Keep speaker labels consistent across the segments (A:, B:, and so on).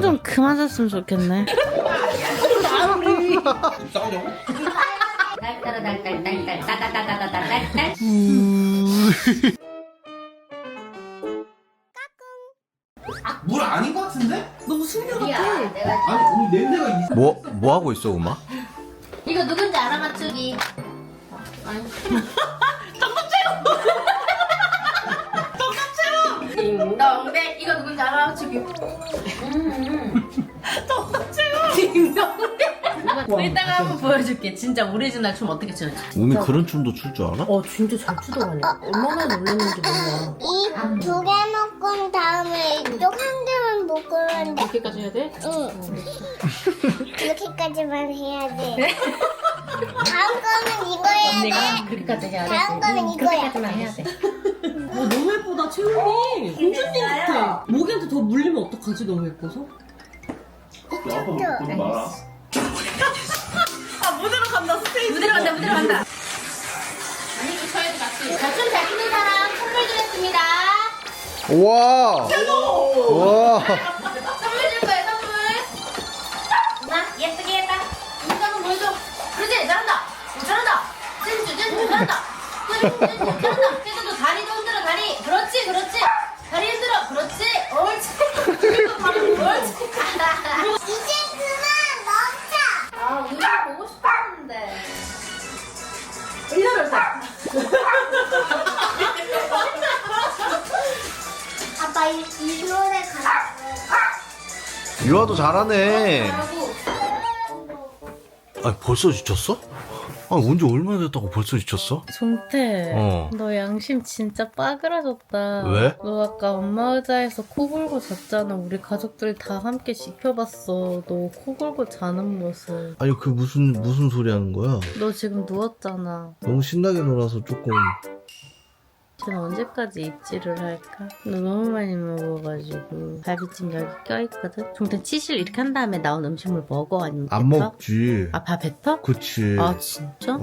A: 좀 그만 샀으면 좋겠네.
B: 싸우냐고?
C: 딸딸딸딸딸딸딸딸딸딸딸.
B: 물 아닌 것 같은데?
A: 너무 숨겨
C: 야, 내가
B: 아니 우리 냄새가 있어.
D: 뭐 하고 있어, 엄마?
C: 이거 누군지 알아 맞추기. 딩동댕 이거 누군지 알아 맞추기. 딩동댕. 이따가 한번 보여줄게. 진짜 오리지널 춤 어떻게 추는지.
D: 우미 그런 춤도 출 줄 알아?
A: 진짜 잘 추더라냐. 얼마나 놀랐는지 몰라.
E: 이 두 개 먹은 다음에 이쪽 한 개만 먹으면 돼.
A: 이렇게까지 해야 돼?
E: 응. 이렇게까지만 해야 돼. 다음 거는 이거 해야 돼.
A: 그렇게까지 해야 돼.
E: 다음 거는 이거야.
A: 그렇게까지만 해야 돼. 너무 예쁘다, 채영이. 공주님 같아. 모기한테 더 물리면 어떡하지, 너무 예뻐서?
B: 야, 아빠 보지 마라.
A: 무대로 간다, 스테이지.
C: 무대로 간다 무대로 간다. 아니 그 저희도 같이. 자춤 잘 추는 사람 선물 드렸습니다.
D: 우와! 우와!
C: 선물 줄 거예요 선물. 나 예쁘게 했다. 이거 한번 보여줘. 그렇지 잘한다. 잘한다. 찐주 잘한다. 잘한다. 그래도 다리도 흔들어 다리. 그렇지 그렇지. 다리 흔들어. 그렇지. 옳지. 그리고 바로 옳지.
E: 이제 그만 먹자.
C: 아 우리 보고 싶었는데.
A: 1년을 사.
E: 아빠 이 노래 가자.
D: 유아도 잘하네.
C: 잘하고.
D: 아니, 벌써 지쳤어? 아니, 언제 얼마나 됐다고 벌써 지쳤어?
A: 종태, 너 양심 진짜 빠그라졌다.
D: 왜?
A: 너 아까 엄마 의자에서 코 골고 잤잖아. 우리 가족들 다 함께 지켜봤어. 너 코 골고 자는 모습.
D: 아니, 그 무슨 소리 하는 거야?
A: 너 지금 누웠잖아.
D: 너무 신나게 놀아서 조금.
A: 지금 언제까지 입질을 할까? 너 너무 많이 먹어가지고 갈비찜 여기 껴있거든? 종태 치실 이렇게 한 다음에 나온 음식물 먹어? 아니면 뱉어?
D: 안 먹지.
A: 아, 다 뱉어?
D: 그치.
A: 아, 진짜?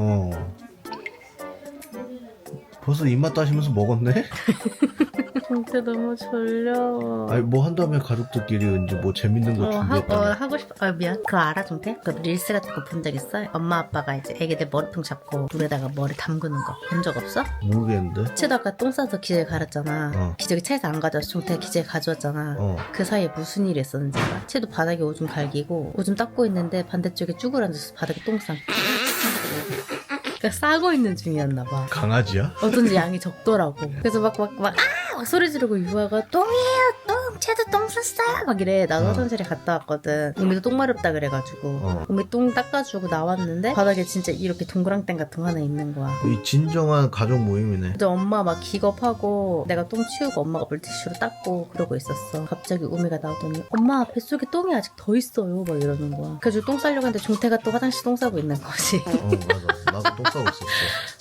D: 벌써 입맛 따시면서 먹었네?
A: 종태 너무 졸려.
D: 아니, 뭐 한 다음에 가족들끼리 이제 뭐 재밌는 거 준비했다며.
A: 하고 싶어. 아, 미안. 그거 알아, 종태? 그 릴스 같은 거 본 적 있어? 엄마 아빠가 이제 애기들 머리통 잡고 물에다가 머리 담그는 거 본 적 없어?
D: 모르겠는데?
A: 치다가 똥 싸서 기저귀 갈았잖아. 기저귀 차에서 안 가져와서 종태가 기저귀 가져왔잖아. 그 사이에 무슨 일이 있었는지 알아? 채도 바닥에 오줌 갈기고 오줌 닦고 있는데 반대쪽에 쭈그러앉아서 바닥에 똥 싸. 그러니까 싸고 있는 중이었나 봐.
D: 강아지야?
A: 어쩐지 양이 적더라고. 그래서 막 소리 지르고 유아가 똥이에요 똥 채도 똥 쌌어요 막 이래. 나도 화장실에 갔다 왔거든. 우미도 똥 마렵다 그래가지고 우미 똥 닦아주고 나왔는데 바닥에 진짜 이렇게 동그랑땡 같은 거 하나 있는 거야.
D: 이 진정한 가족 모임이네.
A: 근데 엄마 막 기겁하고 내가 똥 치우고 엄마가 물티슈로 닦고 그러고 있었어. 갑자기 우미가 나오더니 엄마 뱃속에 똥이 아직 더 있어요 막 이러는 거야. 그래서 똥 싸려고 했는데 종태가 또 화장실 똥 싸고 있는 거지.
D: 맞아. 나도 똥 싸고 있었어.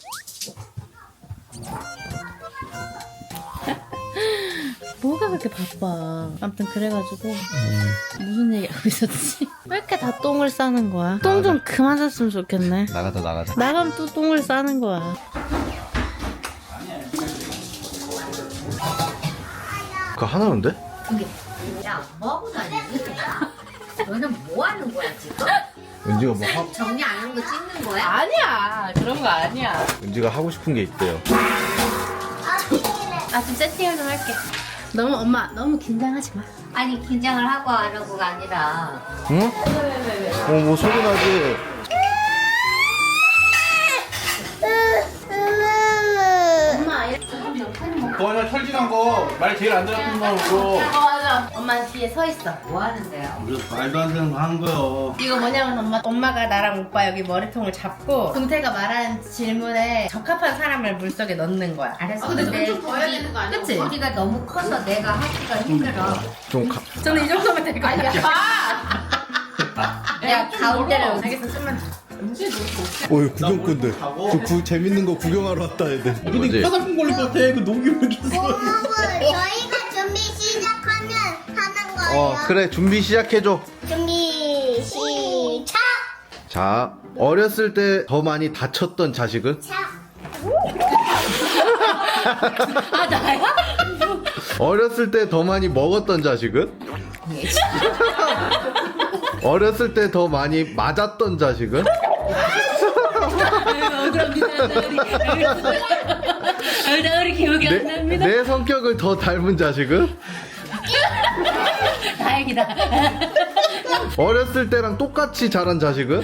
A: 뭐가 그렇게 바빠. 아무튼 그래가지고 무슨 얘기하고 있었지? 왜 이렇게 다 똥을 싸는 거야? 똥 좀 그만 쌌으면 좋겠네.
D: 나가자.
A: 나가면 또 똥을 싸는 거야.
D: 그거 하나인데?
C: 야 뭐하고 다니니? 너는 뭐 하는 거야 지금?
D: 은지가 뭐 하고,
C: 정리 안 하는 거 찍는 거야?
A: 아니야. 그런 거 아니야.
D: 은지가 하고 싶은 게 있대요.
A: 아, 좀 세팅을 좀 할게. 너무 긴장하지 마.
C: 아니 긴장을 하고 안 하고가 아니라
D: 응? 뭐 소리 나지?
C: 엄마 이렇게
B: 그거는 철진한 거 말 제일 안 들었던 거로.
A: 맞아. 엄마 뒤에 서 있어.
C: 뭐 하는데요?
B: 말도 안 되는 거 하는 거요.
A: 이거 뭐냐면 엄마가 나랑 오빠 여기 머리통을 잡고 동태가 말하는 질문에 적합한 사람을 물속에 넣는 거야.
C: 알았어.
A: 근데
C: 근데
A: 좀 더 해야 되는 거 아니야? 그치?
C: 우리가 너무 커서 내가 하기가 힘들어.
A: 저는 이 정도면 될 거 아니야.
C: 야 가운데를
A: 알겠어. 좀만.
D: 어이, 구경꾼들. 재밌는 거 구경하러 왔다, 애들.
B: 근데 화장품 걸릴 것 같아. 그 녹이면 줬어.
E: 저희가 준비 시작하면 하는 거예요.
D: 그래, 준비 시작해줘.
E: 준비 시작.
D: 자, 어렸을 때 더 많이 다쳤던 자식은?
A: 아, 나야?
D: 어렸을 때 더 많이 먹었던 자식은? 어렸을 때 더 많이 맞았던 자식은?
A: 우리 기억이 안 납니다.
D: 내 성격을 더 닮은 자식은?
A: 다행이다.
D: 어렸을 때랑 똑같이 자란 자식은?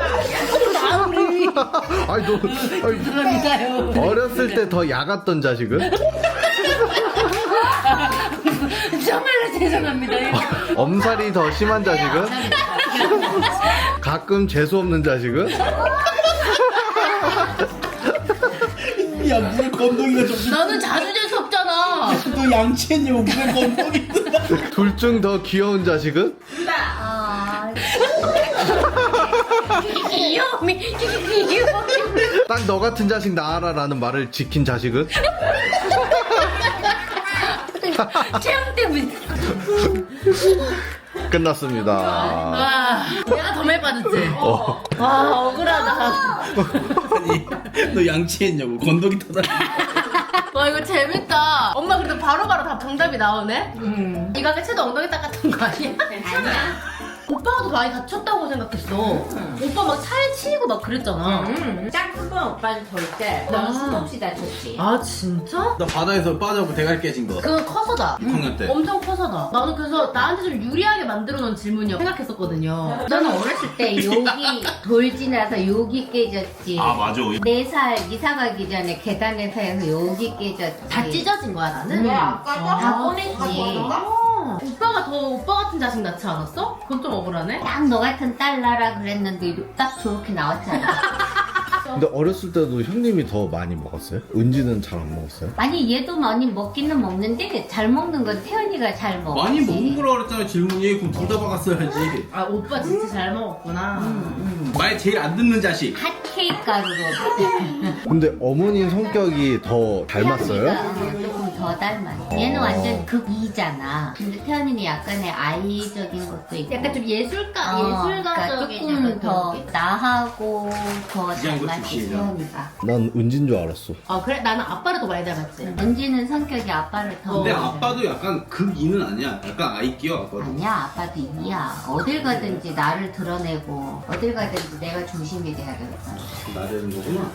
D: 아니 너 아니,
A: 죄송합니다요.
D: 어렸을 때 더 야갔던 자식은?
A: 정말로 죄송합니다.
D: 엄살이 더 심한 자식은? 가끔 재수 없는 자식은?
B: 야 무슨 건동이가 좀.
A: 나는 자주 재수 없잖아.
B: 너 양치했냐고 무슨 건동이 뜬다.
D: 둘 중 더 귀여운 자식은?
A: 귀여움이.
D: 딱 너 같은 자식 낳아라라는 말을 지킨 자식은?
A: 체험 때문에.
D: 끝났습니다.
A: 와, 내가 더 많이 빠졌지? 와, 억울하다.
B: 아니 너 양치했냐고 건동이 터다.
A: 와, 이거 재밌다. 엄마 그래도 바로바로 다 정답이 나오네? 이거 아까 채도 엉덩이 닦았던 거 아니야?
C: 아니야.
A: 오빠가 더 많이 다쳤다고 생각했어. 오빠 막 차에 치이고 막 그랬잖아.
C: 짝꿍은 오빠는 절대. 너는 수도 없이 다쳤지.
A: 아, 진짜?
B: 나 바다에서 빠져고 대가리 깨진 거.
A: 그건 커서다.
B: 6학년 때.
A: 엄청 커서다. 나는 그래서 나한테 좀 유리하게 만들어 놓은 질문이라고 생각했었거든요.
C: 너는 어렸을 때 여기 돌 지나서 여기 깨졌지.
B: 아 맞아.
C: 4살 이사 가기 전에 계단에서 해서 여기 깨졌지.
A: 다 찢어진 거야, 나는?
C: 다 보냈지.
A: 오빠가 더 오빠 같은 자식 낳지 않았어? 그건 좀 억울하네.
C: 딱 너 같은 딸 나라 그랬는데 딱 저렇게 나왔잖아.
D: 근데 어렸을 때도 형님이 더 많이 먹었어요? 은지는 잘 안 먹었어요?
C: 아니 얘도 많이 먹기는 먹는데 잘 먹는 건 태연이가 잘 먹지.
B: 많이 먹은 거라 그랬잖아 질문이. 그럼 둘 다 박았어야지.
A: 아, 오빠 진짜 잘 먹었구나.
B: 말 제일 안 듣는 자식.
C: 핫케이크 가루로.
D: 근데 어머님 성격이 더 닮았어요?
C: 태연이가 조금 더 닮았어. 얘는 완전 극이잖아. 근데 태연이는 약간의 아이적인 것도 있고.
A: 약간 좀 예술가,
C: 그러니까
A: 예술가적인
C: 조금
A: 약간
C: 더
A: 그런 게.
C: 나하고 더
B: 이장구
C: 닮았지
B: 출신이야.
C: 태연이가.
D: 난 은진 줄 알았어.
A: 아, 그래? 나는 아빠를 더 많이 닮았지.
C: 은지는 성격이 아빠를 더.
B: 근데 아빠도 약간 극이는 아니야. 약간 아이끼어 아빠도.
C: 아니야, 아빠도 이야. 어딜 가든지 나를 드러내고 어딜 가든지 내가 중심이 돼야 되겠다.
B: 나대는 거구나.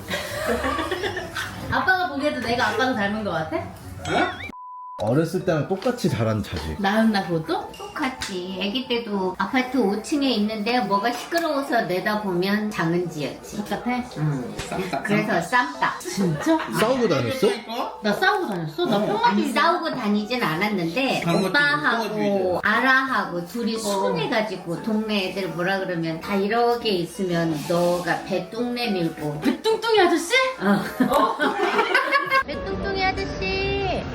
A: 아빠가 보기에도 내가 아빠를 닮은 것 같아?
D: 어렸을 때랑 똑같이 자란 자식.
A: 나였나, 그것도?
C: 똑같지. 아기 때도 아파트 5층에 있는데 뭐가 시끄러워서 내다보면 장은지였지.
A: 똑같아?
B: 쌈딱.
C: 그래서 쌈딱.
A: 진짜?
D: 싸우고 다녔어?
A: 나 싸우고 다녔어? 나
C: 아니
A: 평화주의.
C: 싸우고 다니진 않았는데
B: 그런 것도
C: 오빠하고
B: 있고,
C: 아라하고 둘이 순해가지고 동네 애들 뭐라 그러면 다 이렇게 있으면 너가 배뚱내 밀고
A: 뚱뚱이 아저씨?
C: 배뚱뚱이 아저씨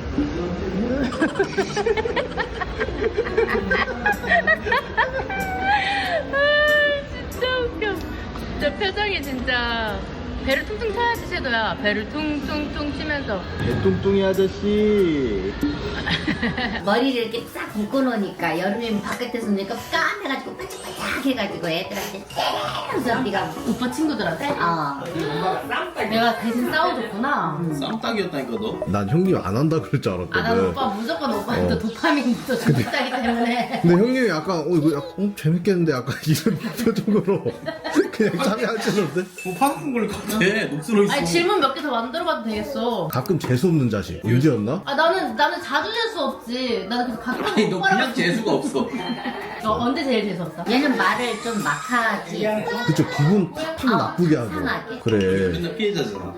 A: 진짜 웃겨. 진짜 표정이 진짜. 배를 퉁퉁 쳐야지, 섀도야. 배를 퉁퉁퉁 치면서.
D: 개뚱뚱이 아저씨.
C: 머리를 이렇게 싹 묶어놓으니까 여름이면 바깥에서 노니까 까매가지고 반짝반짝 해가지고 애들한테 쎄면서 네가
A: 오빠 친구들한테? 내가 대신 싸워줬구나.
B: 쌈딱이었다니까 너.
D: 난 형님 안 한다 그럴 줄
A: 아, 난
D: 알았거든.
A: 오빠 무조건 오빠한테 도파민부터 주겠다기 때문에.
D: 근데 형님이 약간 이거 약간 재밌겠는데 약간 이런 표정으로 그냥 참여하시는데
B: 뭐 파는 걸 같아. 녹슬어 있어.
A: 아니, 질문 몇 개 더 만들어봐도 되겠어.
D: 가끔 재수 없는 자식. 은지였나?
A: 아, 나는 자주 재수 없지. 나는 그래서 가끔
B: 아니 너
A: 오빠랑
B: 그냥 재수가 없어.
A: 언제 제일 재수없어?
C: 얘는 말을 좀 막하지
D: 그쵸, 기분 팍팍 나쁘게 하죠.
C: 상하게.
D: 그래.
B: 맨날 피해자잖아.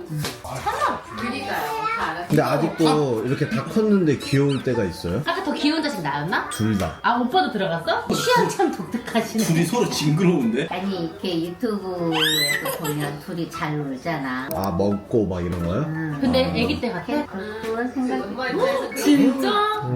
D: 근데 아직도 이렇게 다 컸는데 귀여울 때가 있어요?
A: 아까 더 귀여운 자식 나였나?
D: 둘 다.
A: 아, 오빠도 들어갔어? 취향 참 독특하시네.
B: 둘이 서로 징그러운데?
C: 아니 이렇게 유튜브에서 보면 둘이 잘 놀잖아
D: 아, 먹고 막 이런 거요?
A: 근데 애기 때 같아?
C: 그런 생각이
A: 진짜?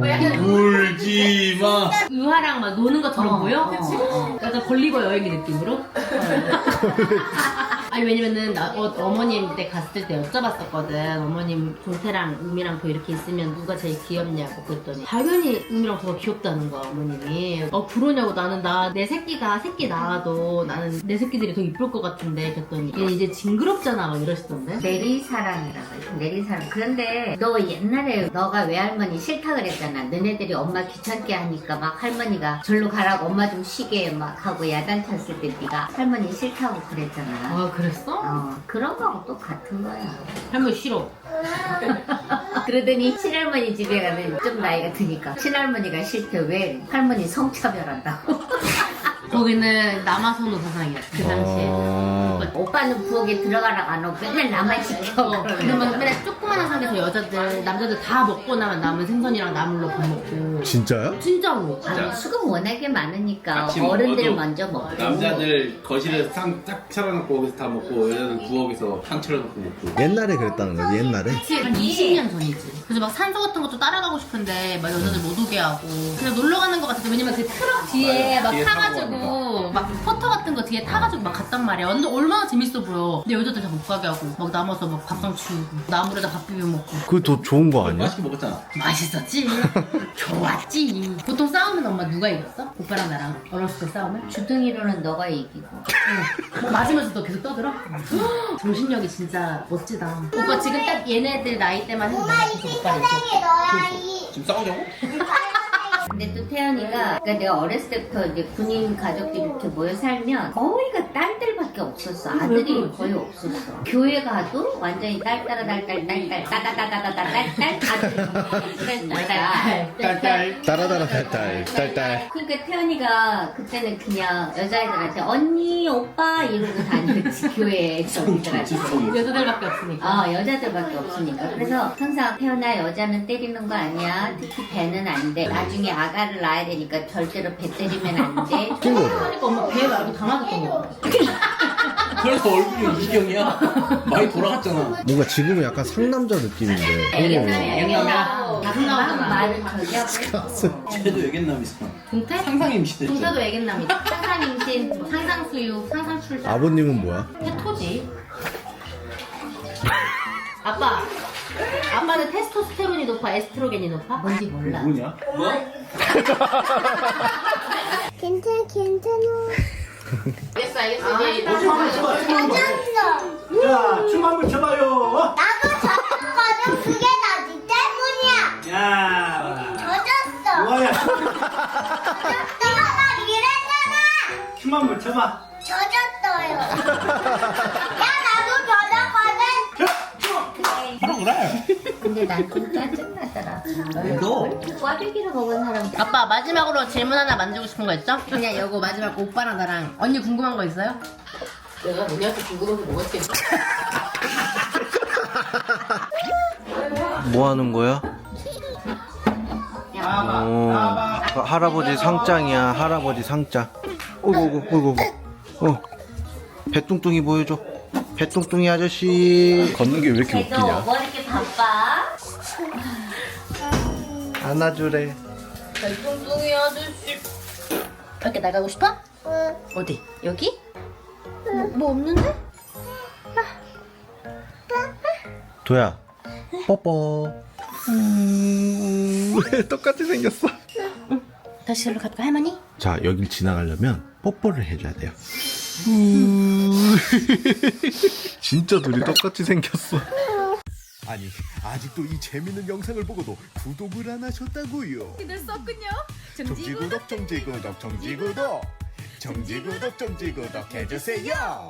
B: 울지 마.
A: 유아랑 막 노는 것처럼 보여?
C: 어.
A: 약간 걸리고 여행기 느낌으로? 아니 왜냐면은 어머님 때 갔을 때 여쭤봤었거든. 어머님 동태랑 우미랑 더 이렇게 있으면 누가 제일 귀엽냐고 그랬더니 당연히 우미랑 더 귀엽다는 거야 어머님이. 그러냐고. 나는 내 새끼가 새끼 낳아도 나는 내 새끼들이 더 이쁠 것 같은데 그랬더니 얘 이제 징그럽잖아 막 이러시던데.
C: 내리사랑이라고 해요. 내리사랑. 그런데 너 옛날에 너가 외할머니 싫다 그랬잖아. 너네들이 엄마 귀찮게 하니까 막 할머니가 절로 가라고 엄마 좀 쉬게 막 하고 야단쳤을 때 네가 할머니 싫다고 그랬잖아.
A: 아 그랬어?
C: 그런 거하고 똑같은 거야.
A: 할머니 싫어.
C: 그러더니 친할머니 집에 가면 좀 나이가 드니까 친할머니가 싫대. 왜? 할머니 성차별한다고.
A: 거기는 남아선호 사상이야 그 당시에.
C: 오빠는 부엌에 들어가라고 안 하고 맨날 나만 시켜.
A: 그러면 맨날 조그마한 상에서 남자들 다 먹고 나면 남은 생선이랑 나물로 밥 먹고.
D: 진짜요?
A: 진짜로.
C: 아니, 수급 워낙에 많으니까
B: 같이
C: 어른들
B: 먹어도
C: 먼저 먹고
B: 남자들 거실에서 상 딱 차려놓고 거기서 다 먹고 여자들 부엌에서 상 차려놓고 먹고.
D: 옛날에 그랬다는 거지, 옛날에?
A: 한 20년 전이지. 그래서 막 산소 같은 것도 따라가고 싶은데 막 여자들 못 오게 하고 그냥 놀러 가는 것 같아. 왜냐면 그 트럭 뒤에 막
B: 뒤에
A: 타가지고 막 포터 같은 거 뒤에 타가지고 막 갔단 말이야. 완전 얼마나 재밌어 보여. 근데 여자들 다 못 가게 하고 막 남아서 막 밥상 치우고 나물에다 밥 비벼 먹고.
D: 그게 더 좋은 거 아니야?
B: 맛있게 먹었잖아.
A: 맛있었지. 좋았지. 보통 싸우면 엄마 누가 이겼어? 오빠랑 나랑 어렸을 때 싸우면?
C: 주둥이로는 너가 이기고.
A: 뭐 맞으면서도 계속 떠들어? 정신력이 진짜 멋지다. 오빠 지금 딱 얘네들 나이 때만 해도 내가 계속 오빠를
E: 세상에 너야 이.
B: 지금 싸우자고?
C: 근데 또 태연이가 그러니까 내가 어렸을 때부터 이제 군인 가족들이 이렇게 모여 살면 거의가 딸들밖에 없었어. 아들이 거의 없었어. 교회 가도 완전히 딸 따라 딸딸딸딸딸딸딸딸딸
B: 딸딸.
D: 따라따라 딸딸.
C: 그러니까 태연이가 그때는 그냥 여자애들한테 언니 오빠 이러고 다녔지. 교회 저기들한테.
A: 여자들밖에 없으니까.
C: 여자들밖에 없으니까. 그래서 항상 태연아 여자는 때리는 거 아니야. 특히 배는 안 돼. 나중에 아가를 낳아야 되니까 절대로 배 때리면 안 돼.
A: 그러니까 엄마 배 말고 다 맞았던 거 같아.
B: 그래서 얼굴이 이경이야. 많이 돌아갔잖아.
D: 뭔가 지금은 약간 상남자 느낌인데.
C: 애견남이야.
A: 나오잖아.
C: 말은 저기 하고.
B: 쟤도 애견남이잖아.
A: 동태?
B: 상상 임시됐죠.
A: 동태도 애견남이다. 상상 임신, 뭐 상상 수육, 상상 출산.
D: 아버님은 뭐야?
A: 테토지. 아빠는 테스토스테론이 높아, 에스트로겐이 높아? 뭔지 몰라.
B: 누구냐?
E: 괜찮아.
A: 알겠어. 이제
E: 맞았어.
F: 자, 춤 한번 춰봐요.
E: 나도 졌거든. 그게 나 니 때문이야.
F: 야,
E: 젖었어.
F: 뭐야?
E: 내가 막 이랬잖아.
F: 춤 한번 춰봐.
E: 젖었어요. 야 나도 젖었거든.
B: 하라 그래.
C: 근데 난 좀 짜증나더라.
B: 너?
C: 꽈배기를 먹은 사람.
A: 아빠 마지막으로 질문 하나 만지고 싶은 거 있죠? 그냥 이거 마지막 오빠랑 나랑 언니 궁금한 거 있어요? 내가 언니한테 궁금해서 먹었지.
D: 뭐 하는 거야? 할아버지 상장이야, 할아버지 상장. 어이구. 배뚱뚱이 보여줘. 배뚱뚱이 아저씨. 걷는 게 왜 이렇게
C: 걔도 뭐 이렇게 바빠?
D: 안아주래.
A: 뚱뚱이 아저씨. 밖에 나가고 싶어?
E: 응.
A: 어디? 여기? 뭐 없는데?
D: 도야, 뽀뽀. 똑같이 생겼어.
A: 다시 저로 갈까 할머니?
D: 자, 여길 지나가려면 뽀뽀를 해줘야 돼요. 진짜 둘이 똑같이 생겼어. 아니, 아직도 이 재밌는 영상을 보고도 구독을 안 하셨다고요?
A: 됐었군요.
D: 정지구독 해주세요.